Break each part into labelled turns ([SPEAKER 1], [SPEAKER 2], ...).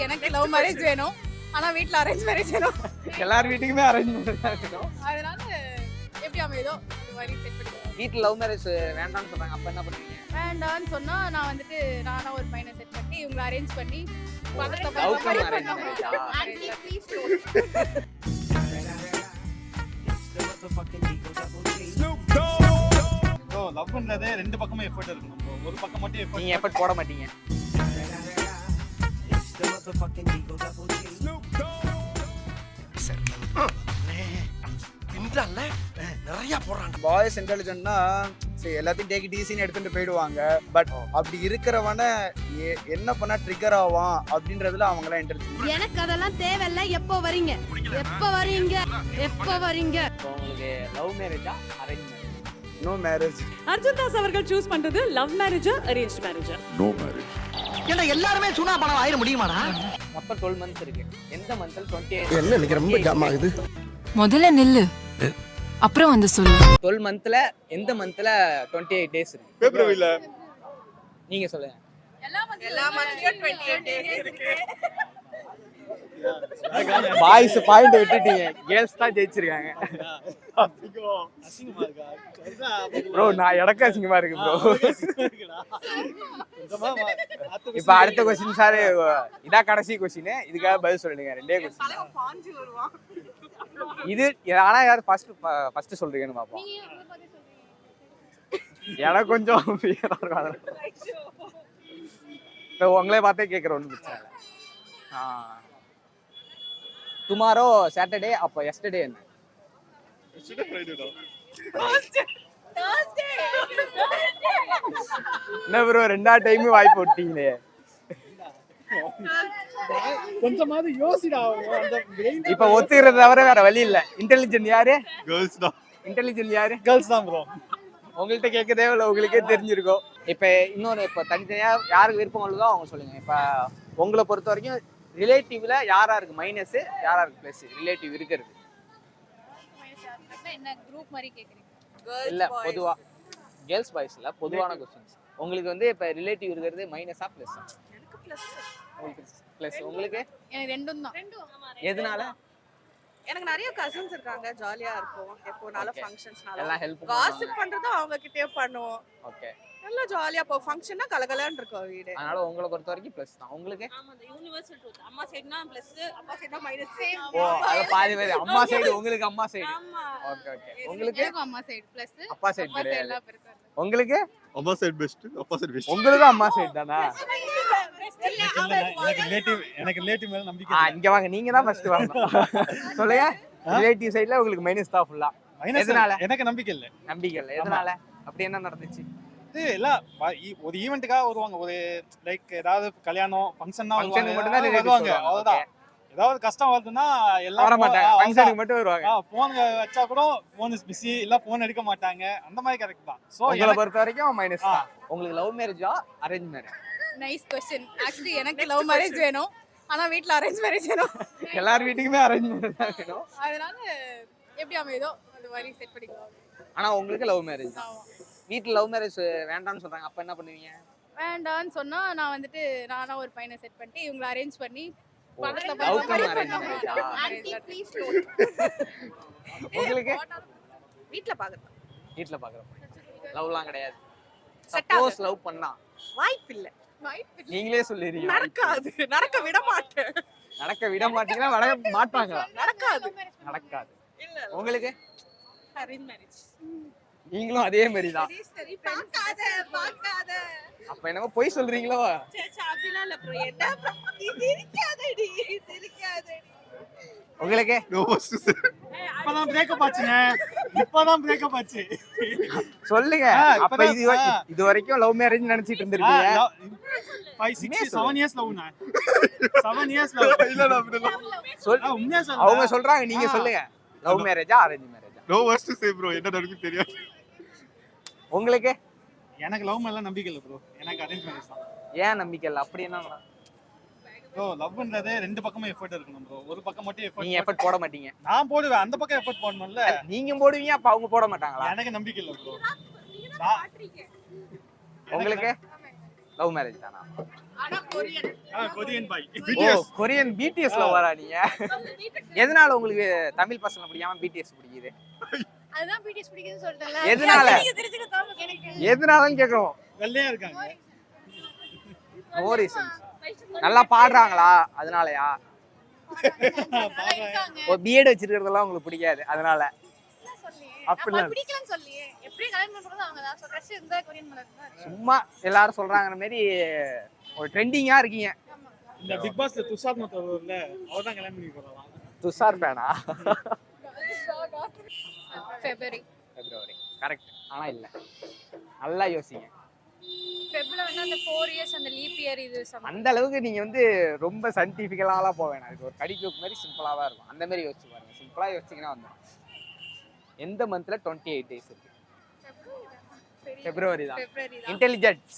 [SPEAKER 1] எனக்கு love marriage வேணும், ஆனா வீட்ல அரேஞ்ச் மேரேஜ் வேணும்.
[SPEAKER 2] எல்லார் வீட்டுக்குமே அரேஞ்ச் மேரேஜ் தான் இருக்கணும்.
[SPEAKER 1] அதனால எப்படி அமையுதோ அது மாதிரி செட் பண்ணிக்கலாம்.
[SPEAKER 2] வீட்டில் லவ் மேரேஜ் வேண்டாம்னு சொல்றாங்க, அப்ப என்ன பண்ணுவீங்க?
[SPEAKER 1] வேண்டான்னு சொன்னா நான் வந்துட்டு நானா ஒரு பையனை செட் பண்ணி இவங்களை அரேஞ்ச் பண்ணி
[SPEAKER 2] லவ் கம் அரேஞ்ச் மேரேஜா?
[SPEAKER 3] ப்ரோ லவ்ன்றதே ரெண்டு பக்கமும் எஃபர்ட் இருக்கணும் ப்ரோ. ஒரு பக்கம் மட்டும் எஃபர்ட்
[SPEAKER 2] நீங்க எஃபர்ட் போட மாட்டீங்க.
[SPEAKER 4] நிறைய போறாங்க.
[SPEAKER 5] பாய்ஸ் இன்டெலிஜென்ட்னா சரி எல்லாத்தையும் டேக் இட் ஈஸின்னு எடுத்துட்டு போயிடுவாங்க. பட் அப்படி இருக்கிறவன என்ன பண்ணா ட்ரிகர் ஆவான் அப்படின்றதுல அவங்களாம் இன்டெலிஜென்ட்.
[SPEAKER 6] எனக்கு அதெல்லாம் தேவையில்ல. எப்போ வரீங்க, எப்போ வரீங்க, எப்போ வரீங்க?
[SPEAKER 2] உங்களுக்கு லவ் மேரேஜா arrange marriage?
[SPEAKER 5] No marriage.
[SPEAKER 7] Arjun Das அவர்கள் சூஸ் பண்றது லவ் மேரேஜா அரேஞ்ச் மேரேஜா?
[SPEAKER 4] No marriage. ஏன்னா எல்லாரும் சுனா பணம் ஆயிர முடியுமாடா?
[SPEAKER 2] அப்ப 12 months இருக்கு. எந்த மந்த்ல 28?
[SPEAKER 4] என்ன எனக்கு ரொம்ப ஜாம் ஆகுது.
[SPEAKER 8] முதல்ல நில்லு, அப்புறம் வந்து சொல்லு.
[SPEAKER 2] 12 monthல எந்த மந்த்ல 28 days இருக்கு?
[SPEAKER 3] பிப்ரவரியில.
[SPEAKER 2] நீங்க சொல்லுங்க.
[SPEAKER 1] எல்லா மந்த்லயும் 28 days இருக்கு.
[SPEAKER 2] பாய்ஸ் பாயிண்ட் விட்டுட்டீங்க, கேர்ள்ஸ் தான் ஜெயிச்சிருக்காங்க.
[SPEAKER 3] அசிங்கமா இருக்கா?
[SPEAKER 2] ப்ரோ நான் எனக்கு அசிங்கமா இருக்கு ப்ரோ. இப்ப அடுத்த क्वेश्चन சார், இதா கடைசி क्वेश्चन. இதுக்காக பதில் சொல்லுங்க. ரெண்டே क्वेश्चन.
[SPEAKER 1] பாஞ்சு வருவான்.
[SPEAKER 2] இது ஆனா யார் ஃபர்ஸ்ட் சொல்றீங்கன்னு பாப்போம். எனக்கு கொஞ்சம் ஃபியரா இருக்கும் அதனால. இப்போ உங்களே பார்த்தே கேக்குற ஒன்றும் பிரச்சனை இல்லை. டுமாரோ சாட்டர்டே, அப்போ எஸ்டர்டே என்ன? என்ன ப்ரோ ரெண்டாவது டைம் வாய்ப்பு விட்டீங்களே.
[SPEAKER 3] கொஞ்சமாவது யோசிடா.
[SPEAKER 2] இப்ப ஒத்துக்கிறது தவிர வேற வழி இல்ல. இன்டெலிஜென்ட் யாரு?
[SPEAKER 3] கேர்ள்ஸ் தான்.
[SPEAKER 2] இன்டெலிஜென்ட் யாரு?
[SPEAKER 3] கேர்ள்ஸ் தான் ப்ரோ.
[SPEAKER 2] உங்கள்கிட்ட கேட்கதே இல்லை, உங்களுக்கே தெரிஞ்சிருக்கும். இப்ப இன்னொன்று, இப்போ தனித்தனியா யாருக்கு விருப்பம் உள்ளதோ அவங்க சொல்லுங்க. இப்ப உங்களை பொறுத்த வரைக்கும் ரிலேட்டிவ்ல யாரா இருக்கு மைனஸ், யாரா இருக்கு பிளஸ்? ரிலேட்டிவ் இருக்கிறது
[SPEAKER 1] என்ன குரூப் மாதிரி கேக்குறீங்க?
[SPEAKER 2] இல்ல பொதுவா கேர்ள்ஸ் பாய்ஸ் இல்ல, பொதுவான क्वेश्चंस. உங்களுக்கு வந்து இப்ப ரிலேட்டிவ் இருக்கிறது மைனஸா பிளஸ்ஸா?
[SPEAKER 1] எனக்கு பிளஸ்.
[SPEAKER 2] உங்களுக்கு பிளஸ். உங்களுக்கு?
[SPEAKER 1] எனக்கு ரெண்டும் தான்.
[SPEAKER 2] எதனால?
[SPEAKER 9] எனக்கு நிறைய கசின்ஸ் இருக்காங்க, ஜாலியா இருக்கும். எப்போனாலும் ஃபங்க்ஷன்ஸ்னால
[SPEAKER 2] எல்லாம் ஹெல்ப்
[SPEAKER 9] காசிப் பண்றதும் அவங்க கிட்டே பண்ணுவோம்.
[SPEAKER 2] ஓகே,
[SPEAKER 9] நல்லா ஜாலியா போ. ஃபங்க்ஷன்னா கலகலன்னு இருக்கும் வீடு.
[SPEAKER 2] அதனால உங்களை பொறுத்த வரைக்கும் பிளஸ் தான். உங்களுக்கு?
[SPEAKER 9] ஆமா, அந்த யுனிவர்சல் ட்ரூத். அம்மா சைடுனா பிளஸ், அப்பா சைடுனா மைனஸ்.
[SPEAKER 2] ஓ அது பாதி பேர் அம்மா சைடு. உங்களுக்கு அம்மா சைடு.
[SPEAKER 9] ஆமா.
[SPEAKER 2] Okay okay. உங்களுக்கு?
[SPEAKER 1] எனக்கு அம்மா சைடு பிளஸ்,
[SPEAKER 2] அப்பா சைடு
[SPEAKER 1] அப்பா சைடு எல்லாம் பெருசா இருக்கு.
[SPEAKER 2] உங்களுக்கு?
[SPEAKER 3] அம்மா சைடு பெஸ்ட், அப்பா சைடு பெஸ்ட்.
[SPEAKER 2] உங்களுக்கு அம்மா சைடு தானா?
[SPEAKER 3] எனக்கு ரிலேட்டிவ் மேல நம்பிக்கை இல்ல.
[SPEAKER 2] இங்க வாங்க, நீங்க தான் ஃபர்ஸ்ட் வரணும். சொல்லுங்க. ரிலேட்டிவ் சைடுல உங்களுக்கு மைனஸ் தான் ஃபுல்லா. எதனால?
[SPEAKER 3] எனக்கு நம்பிக்கை இல்ல.
[SPEAKER 2] நம்பிக்கை இல்ல. எதனால? அப்படி என்ன நடந்துச்சு?
[SPEAKER 3] இது எல்லாம் ஒரு ஈவென்ட்டுக்காக வருவாங்க. ஒரு லைக் ஏதாவது கல்யாணம் ஃபங்க்ஷன்னா
[SPEAKER 2] ஃபங்க்ஷனுக்கு மட்டும் தான்
[SPEAKER 3] வருவாங்க. அவ்வளவுதான். ஏதாவது கஷ்டம் வருதுன்னா எல்லாம்
[SPEAKER 2] வர மாட்டாங்க, ஃபங்க்ஷனுக்கு மட்டும் வருவாங்க.
[SPEAKER 3] போன் வச்சா கூட போன் இஸ் பிஸி, இல்ல போன் எடுக்க மாட்டாங்க. அந்த மாதிரி கரெக்ட் தான். சோ
[SPEAKER 2] உங்களை பொறுத்த வரைக்கும் மைனஸ் தான். உங்களுக்கு லவ் மேரேஜா arrange marriage?
[SPEAKER 1] Nice question. Actually எனக்கு லவ் மேரேஜ் வேணும், ஆனா வீட்ல அரேஞ்ச் மேரேஜ் வேணும்.
[SPEAKER 2] எல்லார் வீட்டுக்குமே அரேஞ்ச் மேரேஜ் தான் வேணும்.
[SPEAKER 1] அதனால எப்படி அமையுதோ அது மாதிரி செட் பண்ணிக்கலாம்.
[SPEAKER 2] ஆனா உங்களுக்கு லவ் மேரேஜ் தான்.
[SPEAKER 1] ஆமா.
[SPEAKER 2] வீட்ல லவ் மேரேஜ் வேண்டாம்னு சொல்றாங்க, அப்ப என்ன பண்ணுவீங்க?
[SPEAKER 1] வேண்டான்னு சொன்னா நான் வந்துட்டு நானா ஒரு பையனை செட் பண்ணி இவங்களை அரேஞ்ச் பண்ணி
[SPEAKER 2] லவ் கம் அரேஞ்ச் மேரேஜா? உங்களுக்கு?
[SPEAKER 9] வீட்ல பாக்குறேன்.
[SPEAKER 2] வீட்ல பாக்குறோம். லவ்லாம் கிடையாது.
[SPEAKER 9] Set
[SPEAKER 2] சப்போஸ் லவ் பண்ணா
[SPEAKER 9] வாய்ப்பு இல்ல.
[SPEAKER 2] நீங்களே சொல்லிடுறீங்க.
[SPEAKER 9] நடக்காது. நடக்க விட மாட்டேன்.
[SPEAKER 2] நடக்க விட மாட்டீங்களா? நடக்க மாட்டாங்களா?
[SPEAKER 9] நடக்காது.
[SPEAKER 2] நடக்காது.
[SPEAKER 9] இல்ல.
[SPEAKER 2] உங்களுக்கு?
[SPEAKER 9] Arrange marriage.
[SPEAKER 2] நீங்களும் அதே மாதிரி தான்.
[SPEAKER 9] சரி பார்க்காத பார்க்காத.
[SPEAKER 2] அப்ப என்னமோ பொய் சொல்றீங்களோ?
[SPEAKER 9] சேச்சா அப்படிலாம் இல்ல ப்ரோ. என்ன சிரிக்காதடி, சிரிக்காதடி.
[SPEAKER 2] உங்களுக்கு?
[SPEAKER 3] இப்பதான் பிரேக்கப் ஆச்சுங்க. இப்பதான் பிரேக்கப் ஆச்சு.
[SPEAKER 2] சொல்லுங்க. அப்ப இது வரைக்கும் லவ் மேரேஜ் நினைச்சிட்டு இருந்திருக்கீங்க.
[SPEAKER 3] 5 6 7 இயர்ஸ் லவ்னா. 7 இயர்ஸ் லவ். இல்ல அப்படிலாம். உண்மையா சொல்லுங்க.
[SPEAKER 2] அவங்க சொல்றாங்க, நீங்க சொல்லுங்க. லவ் மேரேஜா அரேஞ்ச் மேரேஜா?
[SPEAKER 3] No was to say bro. என்ன நடக்குது தெரியாது.
[SPEAKER 2] உங்களுக்கு?
[SPEAKER 3] எனக்கு லவ் மேல நம்பிக்கை இல்ல ப்ரோ. எனக்கு அரேஞ்ச் மேரேஜ் தான்.
[SPEAKER 2] ஏன் நம்பிக்கை இல்ல? அப்படி என்ன?
[SPEAKER 3] ப்ரோ லவ்ன்றதே ரெண்டு பக்கமும் எஃபர்ட் இருக்கணும் ப்ரோ. ஒரு பக்கம் மட்டும் எஃபர்ட்.
[SPEAKER 2] நீங்க எஃபர்ட் போட மாட்டீங்க.
[SPEAKER 3] நான் போடுவேன். அந்த பக்கம் எஃபர்ட் போடணும்ல.
[SPEAKER 2] நீங்க போடுவீங்க, அப்ப அவங்க போட மாட்டாங்களா?
[SPEAKER 3] எனக்கு நம்பிக்கை இல்ல ப்ரோ.
[SPEAKER 2] உங்களுக்கு? லவ் மேரேஜ் தானா?
[SPEAKER 3] Korean boy.
[SPEAKER 2] ஓ கொரியன் பிடிஎஸ்ல வரா நீங்க? எதனால உங்களுக்கு தமிழ் பசங்க பிடிக்காம பிடிஎஸ் பிடிக்குது?
[SPEAKER 1] அதுதான் பிடிஎஸ் பிடிக்குதுன்னு சொல்லிட்டேன்ல.
[SPEAKER 2] எதனால?
[SPEAKER 1] எனக்கு
[SPEAKER 2] எதனாலன்னு கேக்குறோம்.
[SPEAKER 3] வெள்ளையா இருக்காங்க.
[SPEAKER 2] No reason. நல்லா பாடுறாங்களா அதனாலயா?
[SPEAKER 1] இருக்காங்க.
[SPEAKER 2] ஒரு பிஎட் வச்சிருக்கிறதெல்லாம் உங்களுக்கு பிடிக்காது அதனால? அப்படிலாம்
[SPEAKER 1] அப்ப பிடிக்கலன்னு சொல்லியே. எப்படி கல்யாணம் பண்றது அவங்க தான். சோ கிரஷ் இருந்தா கொரியன் மேல இருந்தா.
[SPEAKER 2] சும்மா எல்லாரும் சொல்றாங்கற மாதிரி ஒரு ட்ரெண்டிங்கா இருக்கீங்க.
[SPEAKER 3] இந்த பிக் பாஸ்ல துஷார் மத்த வரும்ல அவர் தான் கல்யாணம் பண்ணி போறாங்க.
[SPEAKER 2] துஷார் பேனா?
[SPEAKER 1] ஃபெப்ரவரி.
[SPEAKER 2] பிப்ரவரி கரெக்ட். ஆனா இல்ல, நல்லா யோசிங்க.
[SPEAKER 1] ஃபெப்ரவரினா அந்த 4 இயர்ஸ் அந்த லீப் இயர் இது
[SPEAKER 2] அந்த அளவுக்கு நீங்க வந்து ரொம்ப சயின்டிஃபிக்கலாலாம் போக வேணாம். இதுக்கு ஒரு கடிக்கு மாதிரி சிம்பிளா தான் இருக்கும். அந்த மாதிரி யோசிச்சு பாருங்க. சிம்பிளா யோசிச்சீங்கன்னா வந்துடும். எந்த மந்த்ல 28 டேஸ் இருக்கு? பிப்ரவரி தான்.
[SPEAKER 1] ஃபெப்ரவரி தான்.
[SPEAKER 2] இன்டெலிஜென்ஸ்.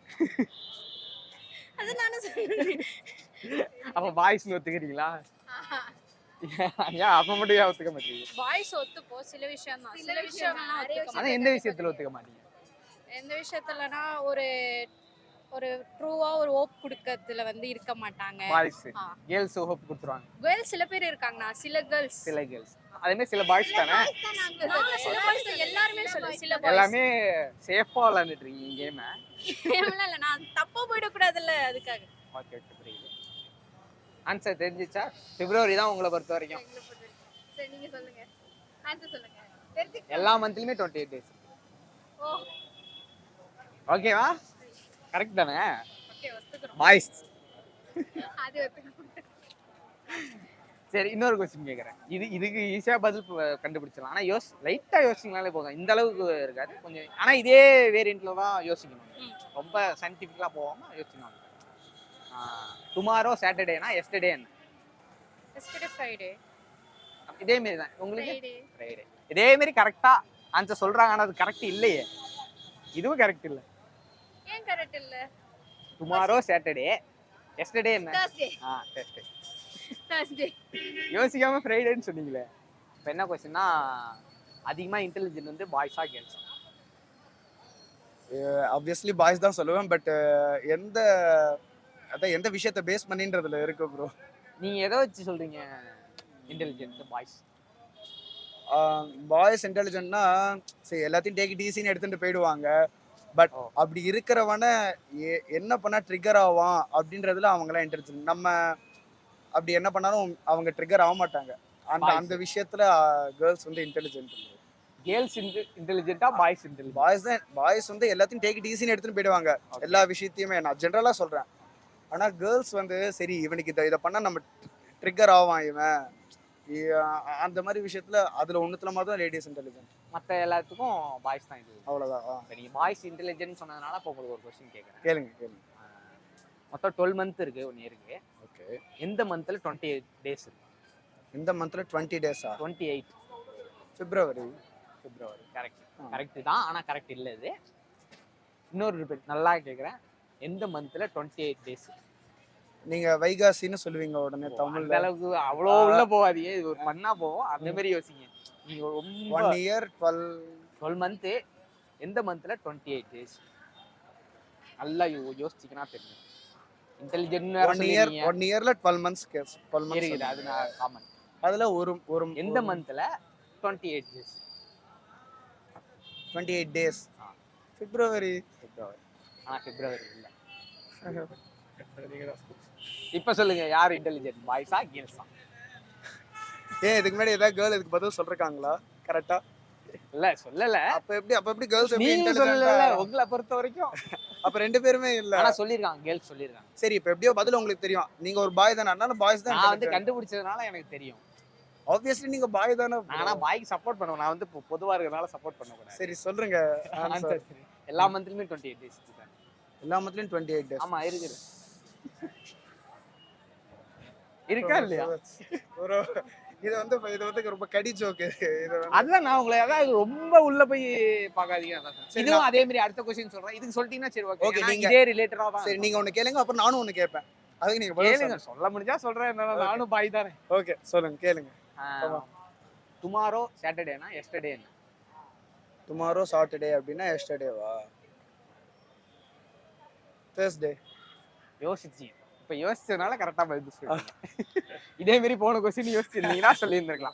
[SPEAKER 1] அது நானே சொல்றேன்.
[SPEAKER 2] அப்ப பாய்ஸ்னு ஒத்துக்கிறீங்களா? ஏன் அப்ப மட்டும் ஏன் ஒத்துக்க மாட்டீங்க?
[SPEAKER 1] பாய்ஸ் ஒத்துப்போ சில விஷயம் தான். சில விஷயம்லாம் ஒத்துக்க
[SPEAKER 2] ஆனா எந்த விஷயத்துல ஒத்துக்க மாட்டீங்க?
[SPEAKER 1] எந்த விஷயத்துலனா ஒரு ஒரு ட்ரூவா ஒரு ஹோப் கொடுக்கறதுல வந்து இருக்க மாட்டாங்க.
[SPEAKER 2] பாய்ஸ்
[SPEAKER 1] ஆ.
[SPEAKER 2] கேர்ள்ஸ் ஹோப் கொடுத்துருவாங்க.
[SPEAKER 1] கேர்ள்ஸ் சில பேர் இருக்காங்கண்ணா. சில கேர்ள்ஸ்
[SPEAKER 2] சில கேர்ள்ஸ் அதே மாதிரி சில பாய்ஸ் தானே?
[SPEAKER 1] சில பாய்ஸ் எல்லாருமே சொல்லுவேன். சில பாய்ஸ்
[SPEAKER 2] எல்லாமே சேஃபா விளையாண்டுட்டு இருக்கீங்க கேம்.
[SPEAKER 1] இல்ல நான் தப்பா போயிட கூடாதுல்ல அதுக்காக.
[SPEAKER 2] ஓகே ஓகே புரியுது. ஆன்சர் தெரிஞ்சிச்சா? பிப்ரவரி தான் உங்களை பொறுத்த வரைக்கும்.
[SPEAKER 1] சரி நீங்க சொல்லுங்க. ஆன்சர் சொல்லுங்க. தெரிஞ்சுக்க.
[SPEAKER 2] எல்லா மந்த்லயுமே 28 டேஸ்.
[SPEAKER 1] ஓ
[SPEAKER 2] ஓகேவா? கரெக்ட் தானே?
[SPEAKER 1] ஓகே ஒத்துக்குறோம்.
[SPEAKER 2] பாய்ஸ்.
[SPEAKER 1] அது ஒத்துக்குறோம்.
[SPEAKER 2] சரி இன்னொரு क्वेश्चन கேக்குறேன். இதுக்கு ஈஸியா பதில் கண்டுபிடிச்சிடலாம். ஆனா லைட்டா யோசிச்சீங்கனாலே போதும். இந்த அளவுக்கு இருக்காது கொஞ்சம். ஆனா இதே வேரியன்ட்ல தான் யோசிக்கணும். ரொம்ப சயின்டிஃபிக்கலா போகாம யோசிக்கணும். டுமாரோ சாட்டர்டேனா எஸ்டர்டே என்ன?
[SPEAKER 1] Yesterday Friday.
[SPEAKER 2] இதே மாதிரி தான் உங்களுக்கு.
[SPEAKER 1] ஃப்ரைடே.
[SPEAKER 2] ஃப்ரைடே. இதே மாதிரி கரெக்டா ஆன்சர் சொல்றாங்க. ஆனா அது கரெக்ட் இல்லையே. இதுவும் கரெக்ட் இல்ல.
[SPEAKER 1] ஏன் கரெக்ட் இல்ல?
[SPEAKER 2] டுமாரோ சாட்டர்டே எஸ்டர்டே என்ன?
[SPEAKER 1] Thursday.
[SPEAKER 2] Thursday.
[SPEAKER 1] Thursday.
[SPEAKER 2] யோசிக்காம ஃப்ரைடேன்னு சொன்னீங்களே. இப்போ என்ன क्वेश्चनனா அதிகமா இன்டெலிஜென்ட் வந்து பாய்ஸா கேர்ள்ஸா?
[SPEAKER 5] ஆப்வியஸ்லி பாய்ஸ் தான் சொல்லுவேன். பட் எந்த விஷயத்தை பேஸ் பண்ணின்றதுல இருக்கு ப்ரோ.
[SPEAKER 2] நீங்க எதை வச்சு சொல்றீங்க இன்டெலிஜென்ட் பாய்ஸ்?
[SPEAKER 5] பாய்ஸ் இன்டெலிஜென்ட்னா சரி எல்லாத்தையும் டேக் இட் ஈஸின்னு எடுத்துட்டு போயிடுவாங்க. பட் அப்படி இருக்கிறவன என்ன பண்ணா ட்ரிகர் ஆவான் அப்படின்றதுல அவங்களாம் இன்டெலிஜென்ட். நம்ம அப்படி என்ன பண்ணாலும் அவங்க ட்ரிகர் ஆக மாட்டாங்க. அந்த விஷயத்துல கேர்ள்ஸ் வந்து இன்டெலிஜென்ட்.
[SPEAKER 2] கேர்ள்ஸ் இன்டெலிஜென்ட்டா பாய்ஸ் இன்டெலிஜென்ட்?
[SPEAKER 5] பாய்ஸ் வந்து எல்லாத்தையும் டேக் இட் ஈஸின்னு எடுத்துட்டு போயிடுவாங்க. எல்லா விஷயத்தையுமே நான் ஜென்ரலா சொல்றேன். ஆனா கேர்ள்ஸ் வந்து சரி இவனுக்கு இதை பண்ணா நம்ம ட்ரிகர் ஆவான் இவன் அந்த மாதிரி விஷயத்துல அதுல ஒண்ணுத்துல மட்டும் லேடிஸ் இன்டெலிஜென்ட்.
[SPEAKER 2] மற்ற எல்லாத்துக்கும் பாய்ஸ் தான் இது.
[SPEAKER 5] அவ்வளவுதான்.
[SPEAKER 2] இப்போ நீங்கள் பாய்ஸ் இன்டெலிஜென்ட் சொன்னதுனால இப்போ உங்களுக்கு ஒரு கொஸ்டின் கேட்குறேன்.
[SPEAKER 5] கேளுங்க.
[SPEAKER 2] மொத்தம் 12 மந்த் இருக்கு ஒன் இயருக்கு.
[SPEAKER 5] ஓகே.
[SPEAKER 2] எந்த மந்த்ல 28 டேஸ் இருக்கு?
[SPEAKER 5] இந்த மந்த்ல 20 டேஸா?
[SPEAKER 2] 28
[SPEAKER 5] பிப்ரவரி.
[SPEAKER 2] கரெக்ட் தான். ஆனா கரெக்ட் இல்ல இது. இன்னொரு ரிப்பீட் நல்லா கேக்குறேன். எந்த மந்த்ல 28 டேஸ்?
[SPEAKER 5] நீங்க வைகாசின்னு சொல்லுவீங்க உடனே
[SPEAKER 2] அந்த
[SPEAKER 5] தமிழ்ல.
[SPEAKER 2] அளவுக்கு அவ்வளோ உள்ள போகாதீங்க. இது ஒரு பண்ணா போவோம். அந்த மாதிரி யோசிங்க. நீங்க ரொம்ப
[SPEAKER 5] 1 இயர்
[SPEAKER 2] 12 மந்த் எந்த மந்த்ல 28 டேஸ்? நல்லா யோசிச்சீங்கன்னா தெரியும். இன்டெலிஜென்ட்
[SPEAKER 5] 1 இயர்ல 12 மந்த்ஸ் கேஸ் 12 மந்த்ஸ்
[SPEAKER 2] இருக்குது. அது நான் காமன்.
[SPEAKER 5] அதுல ஒரு
[SPEAKER 2] எந்த மந்த்ல 28 டேஸ்?
[SPEAKER 5] 28 டேஸ். பிப்ரவரி.
[SPEAKER 2] ஆனா பிப்ரவரி இல்ல. இப்ப சொல்லுங்க யார் இன்டெலிஜென்ட் பாய்ஸா கேர்ள்ஸா?
[SPEAKER 5] இதுக்கு முன்னாடி ஏதாவது கேர்ள் இதுக்கு பதில் சொல்றாங்களா கரெக்ட்டா?
[SPEAKER 2] இல்ல சொல்லல.
[SPEAKER 5] அப்ப எப்படி கேர்ள்ஸ் எப்படி
[SPEAKER 2] நீங்க
[SPEAKER 5] இன்டெலிஜென்ட்?
[SPEAKER 2] சொல்லல. உங்களை பொறுத்த வரைக்கும்
[SPEAKER 5] அப்ப ரெண்டு பேருமே இல்ல.
[SPEAKER 2] ஆனா சொல்லிருக்காங்க கேர்ள்ஸ் சொல்லிருக்காங்க.
[SPEAKER 5] சரி இப்ப எப்படியோ பதில் உங்களுக்கு தெரியும். நீங்க ஒரு பாய் தானே. அதனால பாய்ஸ் தான்.
[SPEAKER 2] நான் வந்து கண்டுபிடிச்சதுனால எனக்கு தெரியும்.
[SPEAKER 5] ஆப்வியஸ்லி நீங்க பாய் தானே.
[SPEAKER 2] ஆனா பாய்க்கு சப்போர்ட் பண்ணுவேன். நான் வந்து பொதுவா இருக்கறனால சப்போர்ட் பண்ண கூடாது.
[SPEAKER 5] சரி சொல்லுங்க ஆன்சர்.
[SPEAKER 2] எல்லா மந்த்லயுமே 28 டேஸ் இருக்கு.
[SPEAKER 5] எல்லா மந்த்லயும் 28 டேஸ்.
[SPEAKER 2] ஆமா இருக்குது. இருக்கா இல்லையா?
[SPEAKER 5] இது வந்து ரொம்ப கடி ஜோக்.
[SPEAKER 2] அதுதான் நான் உங்களை அதாவது ரொம்ப உள்ள போய் பார்க்காதீங்க. இதுவும் அதே மாதிரி அடுத்த क्वेश्चन சொல்றேன். இதுக்கு சொல்லிட்டீங்கன்னா சரி ஓகே. நீங்க இதே ரிலேட்டடா தான்.
[SPEAKER 5] சரி நீங்க ஒன்னு கேளுங்க அப்புறம் நானும் ஒன்னு கேட்பேன். அதுக்கு நீங்க பதில்
[SPEAKER 2] கேளுங்க. சொல்ல முடிஞ்சா சொல்றேன். நானும் பாய் தானே.
[SPEAKER 5] ஓகே சொல்லுங்க கேளுங்க.
[SPEAKER 2] டுமாரோ சாட்டர்டேனா எஸ்டர்டே என்ன?
[SPEAKER 5] டுமாரோ சாட்டர்டே அப்படினா எஸ்டர்டேவா? Thursday.
[SPEAKER 2] யோசிச்சு இப்ப யோசிச்சதுனால கரெக்டா பதில் சொல்லுங்க. இதே மாதிரி போன கொஸ்டின் யோசிச்சிருந்தீங்கன்னா சொல்லியிருந்திருக்கலாம்.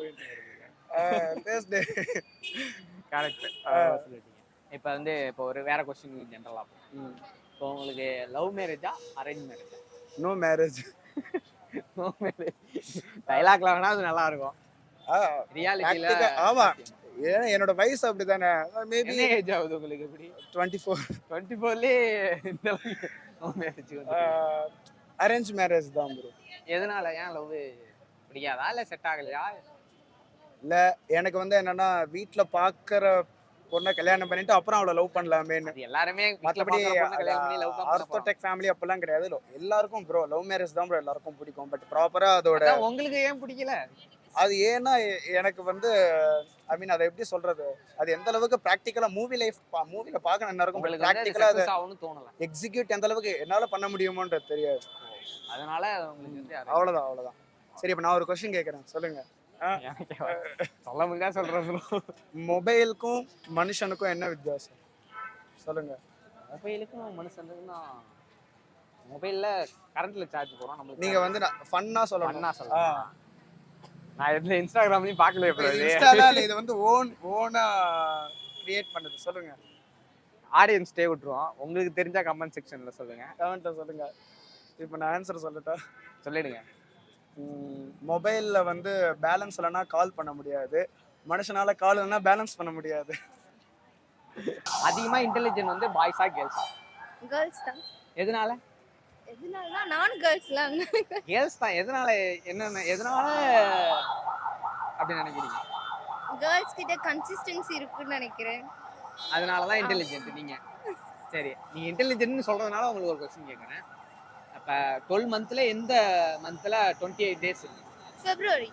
[SPEAKER 2] கரெக்ட் சொல்லிட்டீங்க. இப்போ வந்து இப்போ ஒரு வேற கொஸ்டின் ஜென்ரலா இப்போ உங்களுக்கு லவ் மேரேஜா அரேஞ்ச் மேரேஜா?
[SPEAKER 5] No marriage.
[SPEAKER 2] நோ மேரேஜ் டைலாக்ல வேணா அது நல்லா இருக்கும். ரியாலிட்டில
[SPEAKER 5] ஆமா, ஏன்னா என்னோட வயசு அப்படிதானே. மேபி
[SPEAKER 2] என்ன ஏஜ் ஆகுது உங்களுக்கு? எப்படி
[SPEAKER 5] 24.
[SPEAKER 2] 24லயே இந்த லவ் மேரேஜ் வந்து
[SPEAKER 5] அரேஞ்ச் மேரேஜ் தான் ப்ரோ.
[SPEAKER 2] எதனால? ஏன் லவ் பிடிக்காதா இல்ல செட் ஆகலையா?
[SPEAKER 5] இல்ல எனக்கு வந்து என்னன்னா வீட்ல பாக்குற பொண்ணை கல்யாணம் பண்ணிட்டு அப்புறம் அவளை லவ் பண்ணலாமேன்னு.
[SPEAKER 2] அது எல்லாருமே
[SPEAKER 5] மற்றபடி
[SPEAKER 2] கல்யாணம் பண்ணி லவ் தான்
[SPEAKER 5] ஆர்த்தோடெக் ஃபேமிலி அப்பெல்லாம் கிடையாது. எல்லாருக்கும் ப்ரோ லவ் மேரேஜ் தான் ப்ரோ எல்லாருக்கும் பிடிக்கும். பட் ப்ராப்பரா அதோட
[SPEAKER 2] உங்களுக்கு ஏன் பிடிக்கல?
[SPEAKER 5] அது ஏன்னா எனக்கு வந்து ஐ மீன் அதை எப்படி சொல்றது, அது எந்த அளவுக்கு ப்ராக்டிக்கலா மூவில பார்க்க நல்லா இருக்கும்.
[SPEAKER 2] உங்களுக்கு
[SPEAKER 5] ப்ராக்டிக்கலா அதை
[SPEAKER 2] ஆகணும்னு தோணல.
[SPEAKER 5] எக்ஸிக்யூட் எந்த அளவுக்கு என்னால பண்ண முடியுமோன்றது தெரியாது.
[SPEAKER 2] அதனால உங்களுக்கு வந்து
[SPEAKER 5] அவ்வளவுதான். சரி, இப்ப நான் ஒரு கொஸ்டின் கேட்கறேன், சொல்லுங்க.
[SPEAKER 2] சொல்ல முடியா சொல்றேன்.
[SPEAKER 5] மொபைலுக்கும் மனுஷனுக்கும் என்ன வித்தியாசம் சொல்லுங்க.
[SPEAKER 2] மொபைலுக்கும் மனுஷனுக்கும் மொபைல்ல கரண்ட்ல சார்ஜ் போறோம். நம்மளுக்கு
[SPEAKER 5] நீங்க வந்து ஃபன்னா சொல்லணும்.
[SPEAKER 2] ஃபன்னா சொல்லலாம். நான் எந்த இன்ஸ்டாகிராம்லயும் பார்க்கல.
[SPEAKER 5] இன்ஸ்டால இது வந்து ஓனா கிரியேட் பண்ணது. சொல்லுங்க.
[SPEAKER 2] ஆடியன்ஸ் டே விட்டுருவோம். உங்களுக்கு தெரிஞ்சா கமெண்ட் செக்ஷன்ல சொல்லுங்க.
[SPEAKER 5] கமெண்ட்ல சொல்லுங்க. இப்போ நான் ஆன்சர் சொல்லட்டா?
[SPEAKER 2] சொல்லிடுங்க.
[SPEAKER 5] மொபைல்ல வந்து பேலன்ஸ் இல்லைன்னா கால் பண்ண முடியாது. மனுஷனால கால் இல்லைன்னா பேலன்ஸ் பண்ண முடியாது.
[SPEAKER 2] அதிகமா இன்டெலிஜென்ட் வந்து பாய்ஸா கேர்ள்ஸா?
[SPEAKER 1] கேர்ள்ஸ் தான்.
[SPEAKER 2] எதனால?
[SPEAKER 1] எதனாலனா நானும் கேர்ள்ஸ்லாம்.
[SPEAKER 2] கேர்ள்ஸ் தான். எதனால? எதனால அப்படி நினைக்கிறீங்க?
[SPEAKER 1] கேர்ள்ஸ் கிட்ட கன்சிஸ்டன்சி இருக்குன்னு நினைக்கிறேன்.
[SPEAKER 2] அதனால தான் இன்டெலிஜென்ட் நீங்க. சரி, நீங்க இன்டெலிஜென்ட்னு சொல்றதுனால உங்களுக்கு ஒரு क्वेश्चन கேக்குறேன். அப்ப 12 மந்த்ல எந்த மந்த்ல 28 டேஸ் இருக்கு?
[SPEAKER 1] பிப்ரவரி.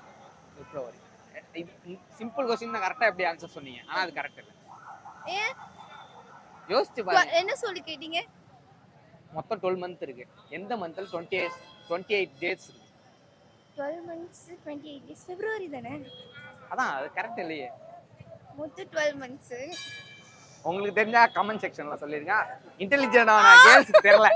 [SPEAKER 2] சிம்பிள் क्वेश्चन தான். கரெக்ட்டா எப்படி ஆன்சர் சொன்னீங்க? ஆனா அது கரெக்ட் இல்ல.
[SPEAKER 1] ஏன்?
[SPEAKER 2] யோசிச்சு பாருங்க.
[SPEAKER 1] என்ன சொல்லி கேட்டீங்க?
[SPEAKER 2] மொத்தம் 12 மந்த் இருக்கு. எந்த மந்த்ல 28 டேஸ் இருக்கு?
[SPEAKER 1] 12 months 28 days. பிப்ரவரி தானே?
[SPEAKER 2] அதான் அது கரெக்ட் இல்லையே.
[SPEAKER 1] மொத்தம் 12 months.
[SPEAKER 2] உங்களுக்கு தெரிஞ்சா கமெண்ட் செக்ஷன்ல சொல்லிருங்க. இன்டெலிஜென்ட்டான கேர்ள்ஸ் தெரியல.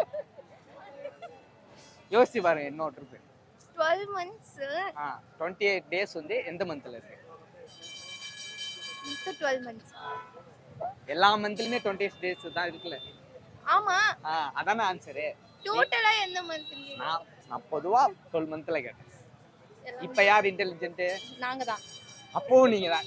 [SPEAKER 2] யோசிச்சு பாருங்க. இன்னொரு இருக்கு.
[SPEAKER 1] 12 months
[SPEAKER 2] 28 டேஸ் வந்து எந்த மந்த்ல இருக்கு?
[SPEAKER 1] மொத்தம் 12 months.
[SPEAKER 2] எல்லா மந்த்லயுமே 28 டேஸ் தான் இருக்குல்ல.
[SPEAKER 1] ஆமா.
[SPEAKER 2] அதானே ஆன்சர்.
[SPEAKER 1] டோட்டலா எந்த மந்த்?
[SPEAKER 2] நான் பொதுவா 12 மந்த்ல கேட்டேன். இப்ப யார் இன்டெலிஜென்ட்?
[SPEAKER 1] நாங்க தான்.
[SPEAKER 2] அப்போ நீங்க தான்.